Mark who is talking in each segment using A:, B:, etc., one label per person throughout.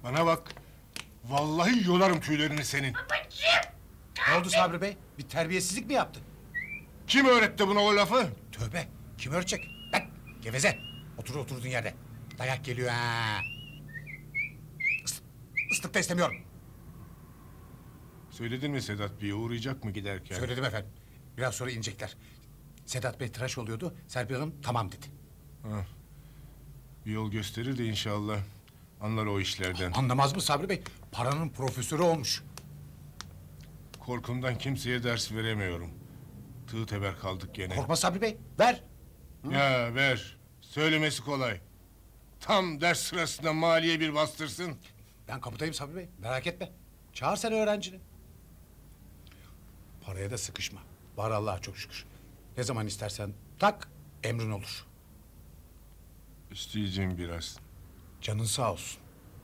A: Bana bak. Vallahi yolarım tüylerini senin.
B: Ne oldu Sabri Bey? Bir terbiyesizlik mi yaptı?
A: Kim öğretti buna o lafı?
B: Tövbe, kim örecek? Lan, geveze. Otur oturduğun yerde. Dayak geliyor ha. Islık da istemiyorum.
A: Söyledin mi Sedat Bey'e uğrayacak mı giderken?
B: Söyledim efendim. Biraz sonra inecekler. Sedat Bey tıraş oluyordu. Serpil Hanım tamam dedi.
A: Ha. Bir yol gösterir de inşallah. Anlar o işlerden.
B: Anlamaz mı Sabri Bey? Paranın profesörü olmuş.
A: Korkumdan kimseye ders veremiyorum. Tığ teber kaldık gene.
B: Korkma Sabri Bey. Ver.
A: Ya ver. Söylemesi kolay. Tam ders sırasında maliye bir bastırsın.
B: Ben kapıdayım Sabri Bey. Merak etme. Çağır sen öğrencini. Paraya da sıkışma. Var Allah'a çok şükür. Ne zaman istersen tak, emrin olur.
A: İsteyeceğim biraz.
B: Canın sağ olsun.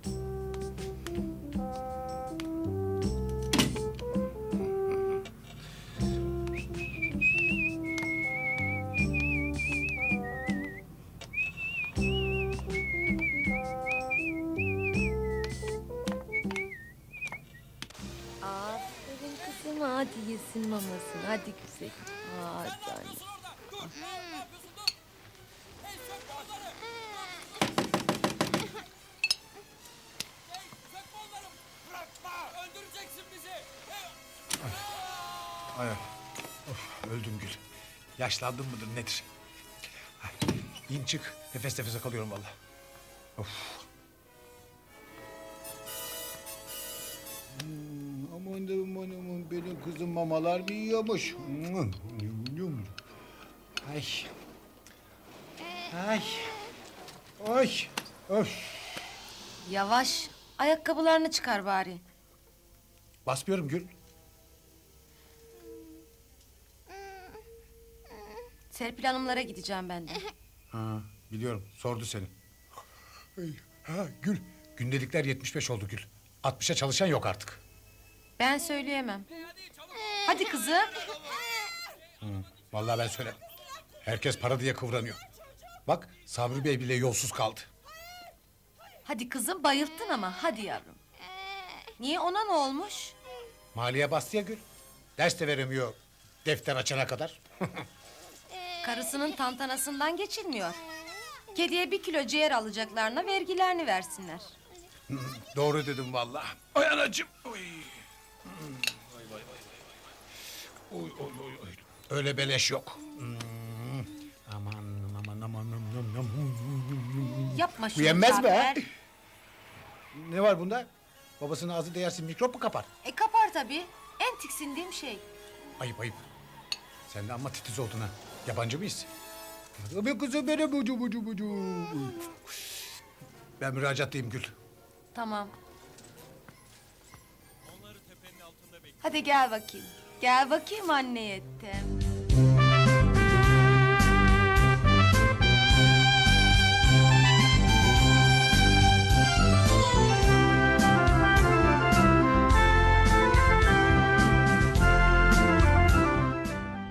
C: Aferin kızım, hadi yesin mamasını. Hadi güzel. Hadi anne.
B: Ay, of, öldüm Gül. Yaşlandım mıdır nedir? Ay, İn çık. Nefes nefese kalıyorum vallahi. Of. Aman benim kızım mamalar mı yiyormuş? Ay. Ay. Oy. Of.
C: Yavaş. Ayakkabılarını çıkar bari.
B: Basmıyorum Gül.
C: Serpil Hanımlara gideceğim ben de.
B: Ha, biliyorum. Sordu seni. Ay, ha Gül. Gündelikler 75 oldu Gül. 60'a çalışan yok artık.
C: Ben söyleyemem. Hadi kızım.
B: Vallahi ben söylerim. Herkes para diye kıvranıyor. Bak Sabri Bey bile yolsuz kaldı.
C: Hadi kızım, bayılttın ama. Hadi yavrum. Niye, ona ne olmuş?
B: Maliye bastı ya Gül. Ders de veremiyor defter açana kadar.
C: Karısının tantanasından geçilmiyor. Kediye 1 kilo ciğer alacaklarına vergilerini versinler.
B: Doğru dedim vallahi. Ay anacığım. Oy. Vay vay vay vay. Oy oy oy oy. Öyle beleş yok. Aman aman aman aman.
C: Yapma
B: Bu
C: şunu
B: yenmez mi ha?
C: Cafer.
B: Ne var bunda? Babasının ağzı değersin mikrop mu kapar?
C: Kapar tabii. En tiksindiğim şey.
B: Ayıp ayıp. Sen de amma titiz oldun ha. Yabancı mıyız? Tabii kızım benim bucu. Ben müracaattayım Gül.
C: Tamam. Hadi gel bakayım. Gel bakayım anne yettim.